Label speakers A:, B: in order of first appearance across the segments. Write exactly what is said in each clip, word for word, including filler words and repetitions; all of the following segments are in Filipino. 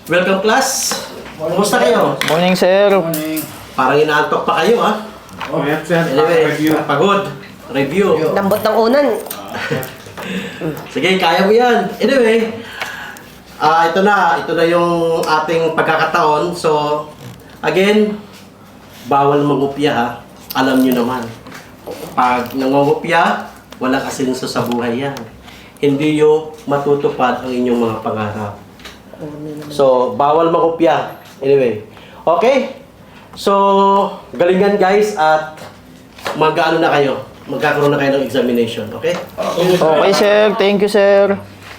A: Welcome class. Kumusta kayo?
B: Morning, sir.
C: Morning.
A: Parang inaantok pa kayo ha?
C: Oh, yes, sir.
A: Anyway,
C: Review.
A: pagod. Review.
D: Lambot ng unan.
A: Sige, kaya mo yan. Anyway, ah ito na. Ito na yung ating pagkakataon. So, again, bawal mangupya ha. Alam nyo naman. Pag nangungupya, walang asenso sa buhay yan. Hindi nyo matutupad ang inyong mga pangarap. So, bawal makopya. Anyway. Okay? So, galingan guys at mag-ano na kayo. Magkakaroon na kayo ng examination. Okay?
B: Okay, sir. Thank you, sir.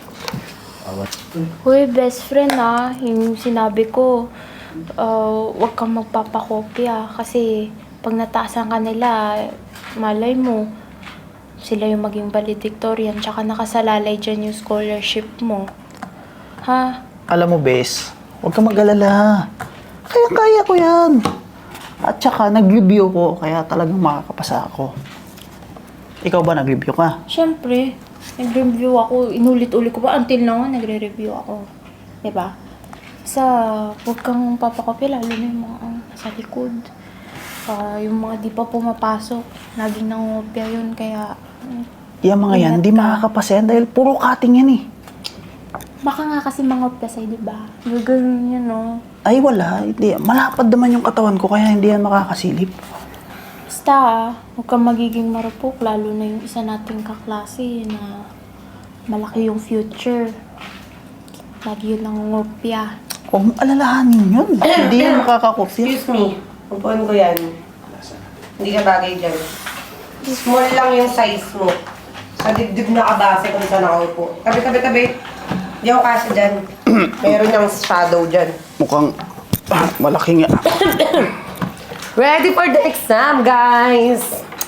E: Uy, best friend ah, yung sinabi ko, uh, huwag kang magpapakopya kasi pag nataasan ka nila, malay mo, sila yung maging valedictorian tsaka nakasalalay dyan yung scholarship mo. Ha?
B: Alam mo, bes, huwag kang mag-alala. Kaya-kaya ko yan. At saka, nag-review ko, kaya talagang makakapasa ako. Ikaw ba nag-review ka?
E: Siyempre, nag-review ako, inulit-ulit ko pa, until now, nagre-review ako. Diba? Sa, huwag kang papakopya, lalo na yung mga uh, nasa likod. Uh, yung mga di pa pumapasok, laging nangungopya yun, kaya... mm,
B: Yung mga yan,
E: ingat
B: di
E: ka.
B: makakapasa yan dahil puro cutting yan eh.
E: Baka nga kasi mangopya sa'yo, diba? Gagawin yun, no?
B: Ay, wala. Hindi. Malapad naman yung katawan ko, kaya hindi yan makakasilip.
E: Basta, ah, huwag kang magiging marupok, lalo na yung isa nating kaklase na malaki yung future. Lagi yun nangungopya.
B: Huwag mong alalahanin yun. Hindi yan makakakopya.
D: Excuse me. Upuan ko yan. Hindi ka bagay dyan. Small lang yung size mo. Sa dibdib na kabase kung saan nakaupo. Tabi, tabi, tabi. Hindi ako kasi dyan. Meron yung shadow dyan.
B: Mukhang ah, malaki nga.
D: Ready for the exam, guys!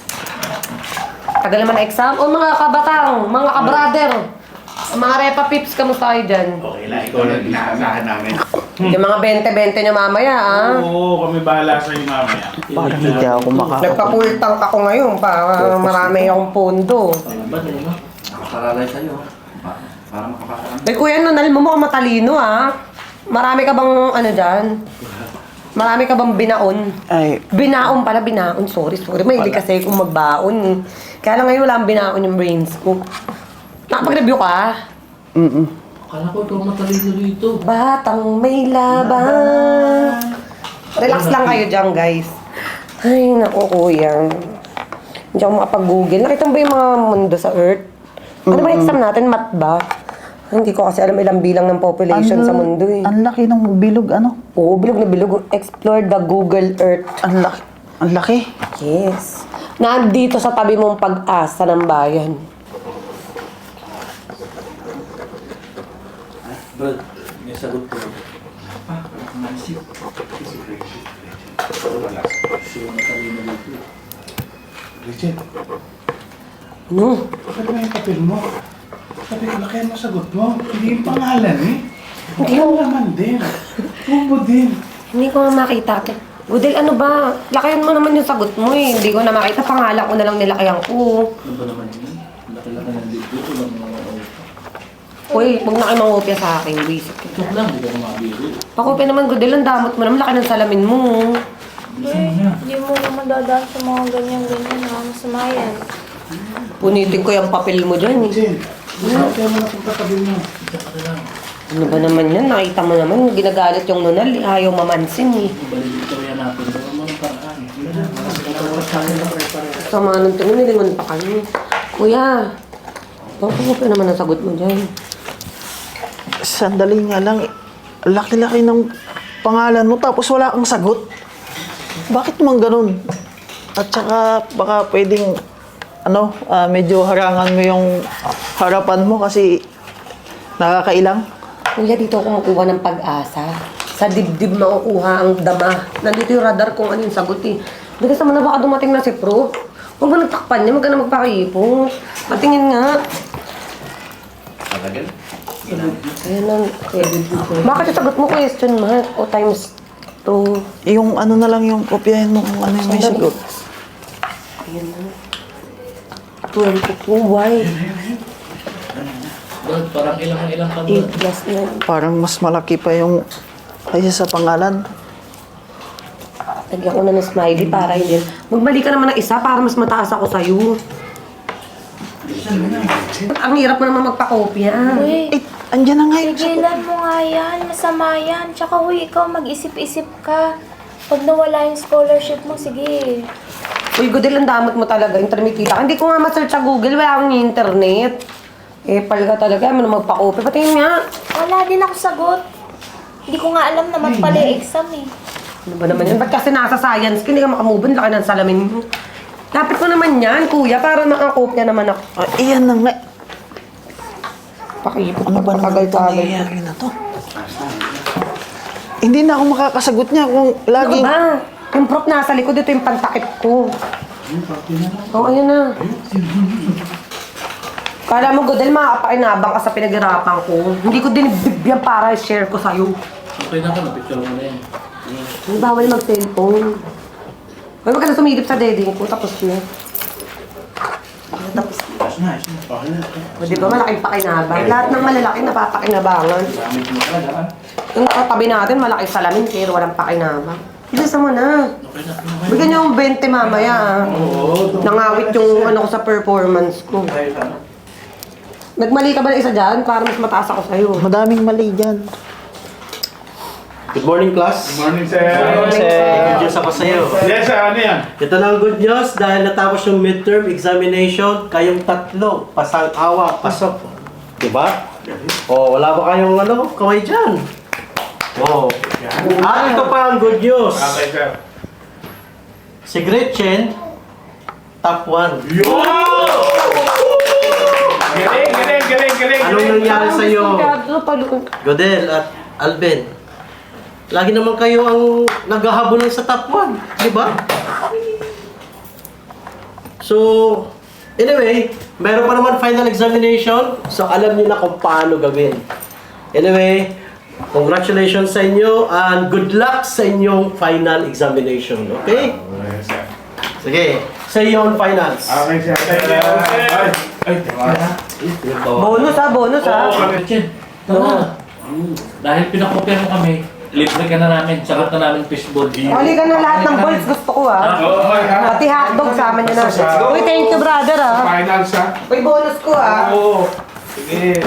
D: Tagal naman na exam. O mga kabatang, mga kabrader, mga repa pips, kamusta kayo dyan?
C: Okay lang, ikaw lang inaasahan namin.
D: Yung mga bente-bente nyo mamaya, ah.
C: Oo, kami bahala sa iyo mamaya.
B: Parang hindi ako makakapag...
D: Nagpa-full tank ako ngayon para marami akong pondo.
A: Nakasalalay sa'yo.
C: Para makapasaan.
D: Eh, Kuya Nonal, mo mukhang matalino, ah. Marami ka bang, ano dyan? Marami ka bang binaon?
B: Ay,
D: Binaon pala, binaon. Sorry, sorry. May hindi kasi kung magbaon. Kaya lang ngayon wala ang binaon yung brains ko. Nakapag-review ka?
B: mm
A: Akala ko ito matalino dito.
D: Batang may laban. Relax lang kayo dyan, guys. Ay, naku, kuya. Hindi ako makapag-google. Nakita mo ba yung mga mundo sa Earth? Ano ba exam natin? Math ba? Hindi ko kasi alam ilang bilang ng population sa mundo eh.
B: Ang laki ng bilog, ano?
D: Oo, bilog na bilog. Explore the Google Earth.
B: Ang laki. Ang laki.
D: Yes. Nandito sa tabi mong pag-asa ng bayan.
A: Bro, may sagot ko.
C: Richard,
D: Ano?
C: bakit ba yung papel mo? Sabi ko, laki mo sagot mo. Hindi yung pangalan eh. Hindi yung laman din. Tubo din.
D: Hindi ko nga makita. Gudel, ano ba? Lakayan mo naman yung sagot mo eh. Hindi ko na makita. Pangalan ko na lang nilakayan ko.
A: Ano ba naman yun? Laki-laki ng dito. Ito lang mga
D: Uy, huwag na kayo mangopya sa akin. Basic.
A: Ito lang, hindi ka mabili.
D: Pakopya naman, Gudel. Ang damot mo naman. Laki ng salamin mo.
E: Eh, hindi mo naman dadaan sa mga ganyan-ganyan na masama yan.
D: Punitin ko yung papel mo dyan eh.
C: Richard, bakit mo na kung katabi mo?
D: Ano ba naman yan? Nakita mo naman. Ginagalit yung nunal. eh. Ayaw mamansin eh.
A: Balik dito yan natin. Gawin mo ng paraan.
D: Sama nung tingin, nilingon pa kami. Kuya, pakopya naman ang sagot mo dyan.
B: Sandali nga lang. Laki-laki ng pangalan mo tapos wala kang sagot. Bakit naman ganun? At saka baka pwedeng ano, ah, medyo harangan mo yung harapan mo kasi nakakailang.
D: Kuya, dito ako kumukuha ng pag-asa. Sa dibdib makukuha ang dama. Nandito yung radar kung ano yung sagot eh. Bigas naman na baka dumating na si Pro. Huwag mo nagtakpan niya, huwag ka na magpakaipos. Patingin nga.
A: Talagal?
D: Ayan lang. Bakit yung sagot mo question mark o times two?
B: Yung ano na lang yung kopyahin mo kung ano yung may sagot.
D: Ayan lang. twenty-two, why?
A: Bro, parang ilang ilang ka
D: eight plus nine.
B: Parang mas malaki pa yung kaysa sa pangalan.
D: Lagyan ko na ng smiley para hindi. Magbalik ka naman ng isa para mas mataas ako sa'yo. Ang hirap mo naman magpakopya.
E: Uy,
B: Eh, andyan na nga yung sagot.
E: tigilan mo nga yan. Masama yan. Tsaka huy, ikaw mag-isip-isip ka. Pag nawala yung scholarship mo, sige.
D: Uy, Godel, ang damot mo talaga. Internet kita. Hindi ko nga ma-search sa Google. Wala akong internet. Eh, pal ka talaga. Ano magpa-copy? Patingin nga.
E: Wala din ako sagot. Hindi ko nga alam naman pala yung exam eh.
D: Ano ba naman yan? Ba't kasi nasa science ka? Hindi ka makamove on. Laki ng salamin mo. Lapit ko naman yan, kuya. Para makakopya naman ako.
B: Ah, iyan na nga.
D: Pakipot
B: Ano ba naman itong
D: tagal-tagal.
B: nangyayari na to? Hindi na ako makakasagot niya kung
D: Ano
B: laging...
D: ba? Yung prop nasa likod, ito yung pantakip ko. Oo, ayun na. Kala mo, Godel, makakapakinabang ka sa pinaghirapan ko. Hindi ko din bibigyan para i-share ko sa'yo.
F: Okay na ka, napicture mo na yan.
D: Hindi bawal mag-cellphone. Huwag ka na sumilip sa deding ko, tapos na. Tapos na.
C: Ayos na, ayos na. Okay na.
D: O, di ba malaking pakinabang? Lahat ng malalaki napapakinabangan.
C: Gamit mo talaga, ah.
D: Yung katabi natin, malaking salamin, pero walang pakinabang. Bilisan mo na.
F: Okay na, okay na.
D: Bigyan niyo yung twenty mamaya. ah. Nangawit yung ano ko sa performance ko. Nagmali ka ba ng isa dyan para mas mataas ako sa'yo?
B: Madaming mali dyan.
A: Good morning, class.
C: Good morning, sir.
A: Good news ako sa'yo.
C: Yes, sir. Ano yan?
A: Ito na ang good news dahil natapos yung midterm examination, kayong tatlo, pasang-awa, pasok. Diba? O, wala ba kayong ano, kamay dyan? O. At ito pa ang good news.
C: Okay, sir.
A: Si Gretchen, top one.
C: Yo! Galing, galing, galing, galing.
A: Anong nangyari sa'yo,
D: Ano
A: Godel at Alben? Lagi naman kayo ang naghahabulan sa top one, di ba? So, anyway, meron pa naman final examination, so alam niyo na kung paano gawin. Anyway, congratulations sa inyo and good luck sa inyong final examination, okay?
C: Yes, sir.
A: Sige, say you on finals.
C: Okay, sir. Thank you, sir. Ay, teka.
D: Bonus ha, bonus ha.
F: Oo, Gretchen. Ito na. Dahil pinakopya mo kami, libre ka na namin. Sagot na namin fishball.
D: Huli ka na lahat ng balls, gusto ko ha.
C: Oo, okay, ha?
D: Pati hotdog, sama niyo na. Uy, thank you brother ha.
C: Finals, ha?
D: Uy, bonus ko ha.
C: Oo. Sige.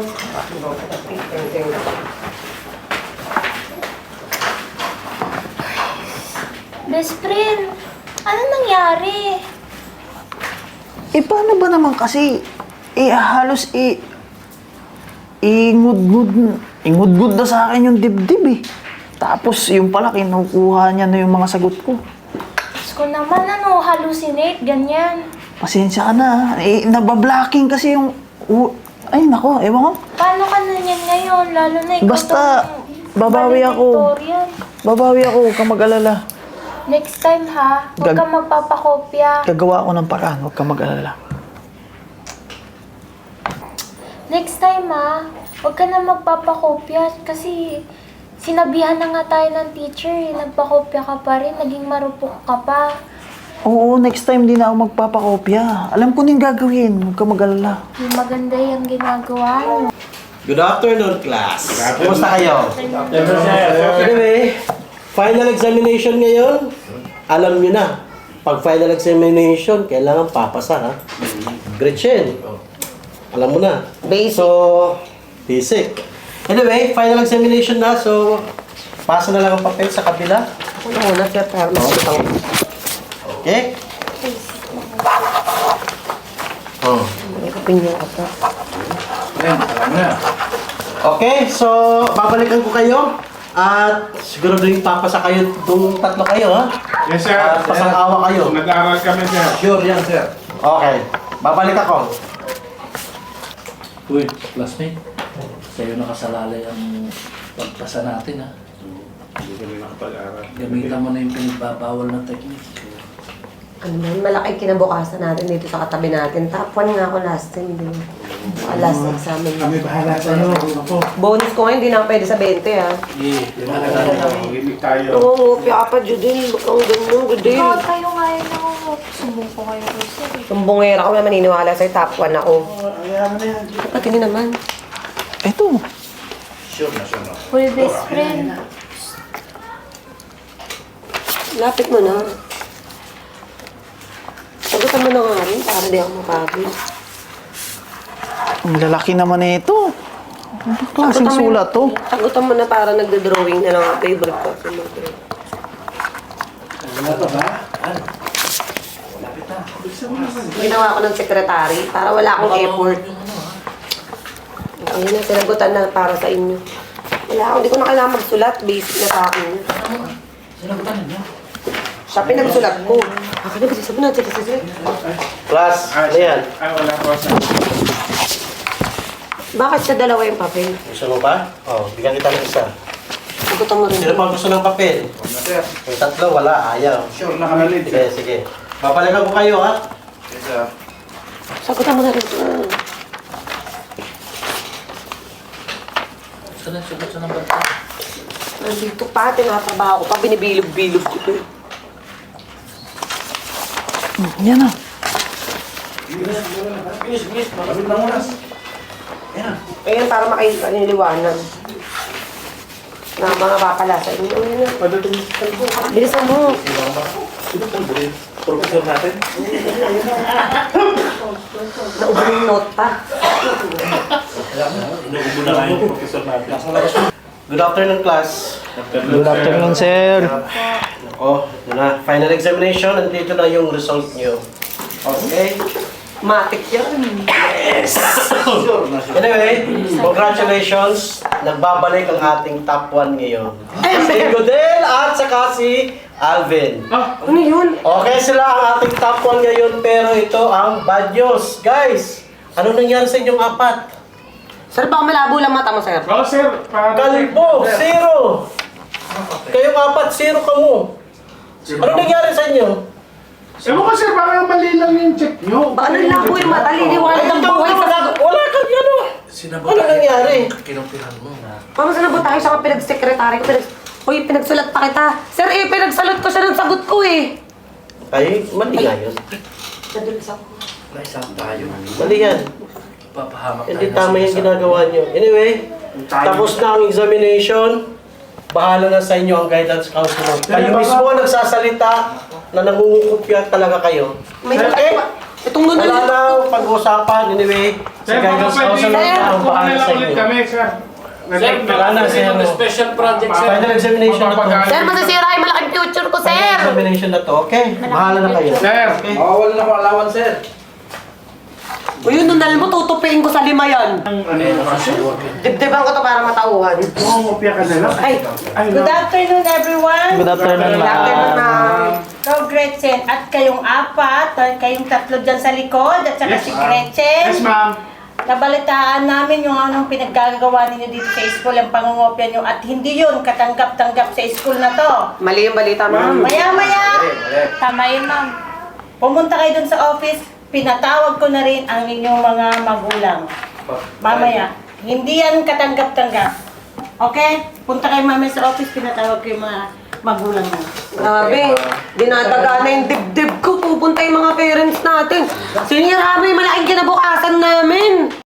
E: Best friend, ano nangyari?
B: Eh, paano ba naman kasi? Eh, halos eh... Ingud-gud... Ingud-gud na sa akin yung dibdib eh. Tapos yung pala, kinukuha niya na yung mga sagot ko.
E: Diyos ko naman, ano, hallucinate, ganyan.
B: Pasensya ka na. Eh, nabablocking kasi yung... u- Ay, nako, ewan ko.
E: Paano ka na yan ngayon? Lalo na ikaw
B: Basta,
E: tong
B: babawi ako.
E: valedictorian.
B: Babawi ako, huwag kang mag-alala.
E: Next time ha, huwag
B: Gag-
E: kang magpapakopya.
B: Gagawa ako ng paraan, huwag kang mag-alala.
E: Next time ha, huwag ka na magpapakopya kasi sinabihan na nga tayo ng teacher eh, nagpakopya ka pa rin, naging marupok ka pa.
B: Oo, next time di na ako magpapakopya. Alam ko na yung gagawin, huwag kang mag-alala.
E: Yung maganda yung ginagawa mo.
A: Good afternoon, class. Kumusta kayo?
F: Yes, sir.
A: Anyway, final examination ngayon, alam nyo na. Pag final examination, kailangan papasa, ha? Gretchen, alam mo na.
D: Basic.
A: So, basic. Anyway, final examination na, so pasa na lang ang papel sa kabila.
D: Ako na muna, sir, para makikita ko.
A: Okay? Oh.
D: May opinion ka pa.
C: Yan, alam na.
A: Okay, so babalikan ko kayo. At siguro doon papasa kayo, doon tatlo kayo, ha?
C: Yes, sir.
A: At pasang-awa kayo.
C: Nag-aaral kami, sir.
A: Sure yan, sir. Okay, babalik ako.
F: Uy, classmate. Sa'yo nakasalalay ang pagpasa natin, ha?
C: Hindi kami nakapag-aaral.
F: Gamitan mo na yung pinagbabawal na technique.
D: Ano man, malaki kinabukasan natin dito sa katabi natin. Top one nga ako last time, di ba? Saka last examen.
C: Kami bahala sa'yo. Ako.
D: Bonus ko ngayon, hindi na ako pwede sa twenty ha.
F: Yeah,
C: Gimik tayo.
D: Oo, ngupya ka pa, Judel. Huwag kang ganun, Judel.
E: Ikaw tayo nga yun ako. Sumbong ko kayo kay sir eh.
D: Sumbongera ko na maniniwala sa'yo, top one ako.
C: Ayaw na yan.
D: Pati naman.
B: Eto,
C: Sure na, sure na.
E: Uy, best friend.
D: Lapit mo na. Sagutan mo na nga rin para di ako mapagod.
B: Ang lalaki naman na ito. Ano klaseng
D: Sagutan mo
B: sulat to?
D: yun. Sagutan mo na para nagda-drawing na lang ang favorite ko.
C: Wala pa ba?
D: Ginawa ko ng sekretary para wala akong effort. Ayun na, sinagutan na para sa inyo. Wala ako, hindi ko na kailangan magsulat. Basic na sa akin.
F: Sinagutan ninyo.
D: Siya pinagsulat ko. Akin na, kasi sabi na, sige, sige.
A: Class, ano yan?
C: Ay, wala pa sa...
D: Bakit sa dalawa yung papel?
A: Gusto mo pa? Oh, bigyan kita ng isa.
D: Sagutan mo rin.
A: Sino pa gusto ng papel?
C: Sir,
A: Yung tatlo, wala, ayaw.
C: sure na ka na late,
A: Sige,
C: sir.
A: sige. Babalikan ko kayo, ha?
C: Yes, sir.
D: Sagutan mo na rin.
F: Saan ang sugot sa number ko?
D: Nandito pa, tinatrabaho ko pa, binibilog-bilog ko to.
B: Hmm, yan na.
C: Bilis, bilis. Malapit na oras. Ayan.
D: Ayan, para makailiwanan. Na mga papala sa inyo. Ayan na.
C: Padating sa kalbo.
D: Bilisan mo.
C: Sino po ba rin? Professor natin?
D: Naubo yung note pa.
C: Inuubo na kayo yung professor natin. Nasa labas mo.
A: Good afternoon, class.
B: Good afternoon, sir.
A: Ako, ito na. Final examination, nandito na yung result nyo. Okay?
D: Matik yan.
C: Sure na sure.
A: Anyway, congratulations. Nagbabalik ang ating top one ngayon. Si Godel at saka si Alvin.
D: Ano yun?
A: Okay sila ang ating top one ngayon, pero ito ang bad news. Guys, ano nangyari sa inyong apat?
D: Sir, baka malabo lang mata mo, sir.
C: Oh, sir. para-
A: Kalbo, zero. Kayong apat, zero ka mo. Ano nangyari sa inyo?
C: Ewan ko, sir. Baka mali lang yung check nyo.
D: Baka nalabo yung mata, liliwanag ng
A: ikaw,
D: buhay sa
A: wala,
D: sagot.
A: wala kang ano. Ano nangyari?
F: Kinumpihan mo na.
D: Paano saan tayo sa pinag-secretary ko? Pinag Uy, pinagsulat pa kita. Sir, eh, pinagsulat ko siya ng sagot ko eh.
A: Ay, mali nga yun.
D: Nadulas ako.
F: Naisang tayo.
A: Mali yan.
F: Papahamak tayo.
A: Hindi
F: ng
A: tama yung
F: sinasabi.
A: ginagawa nyo. Anyway, tapos na ang examination. Bahala na sa inyo ang guidance counselor. Kayo mismo ang nagsasalita na nangungukupya talaga kayo.
D: May
A: Okay?
D: okay. Itong nun
A: Wala na ang pag-usapan. Anyway, si guidance counselor na ang bahala sa inyo.
C: kami, sir.
F: Sir,
A: Wala na, sir.
F: ng special project, sir.
A: Final examination na to.
D: Sir, masasira yung malaking future ko,
A: Final
D: sir.
A: examination na to. Okay? Bahala na kayo.
C: Sir.
A: Okay?
C: Mawawala na ko alawan, sir.
D: O yun, nunal mo, tutupiin ko sa lima yan.
C: Ang ano yung kasi?
D: Dibdiban ko to para matauhan.
C: Mangungopia ka na lang.
D: Ay,
C: Ay,
G: Good
C: no.
G: afternoon, everyone.
B: Good afternoon,
D: Good afternoon,
B: ma'am.
D: ma'am.
G: Ikaw, Gretchen, at kayong apat, at kayong tatlo dyan sa likod, at saka
C: Yes,
G: si
C: ma'am.
G: Gretchen.
C: Yes, ma'am.
G: Nabalitaan namin yung anong pinaggagawa ninyo dito sa school, ang pangungopia nyo, at hindi yun katanggap-tanggap sa school na to.
D: Mali yung balita, ma'am.
G: Maya-maya, tama yun, ma'am. Pumunta kayo dun sa office, pinatawag ko na rin ang inyong mga magulang. Mamaya, hindi yan katanggap-tanggap. Okay? Punta kayo mamaya sa office, pinatawag ko yung mga magulang mo.
D: Grabe, dinadaga na yung dibdib ko. Pupunta yung mga parents natin. Senior, may malaking kinabukasan namin.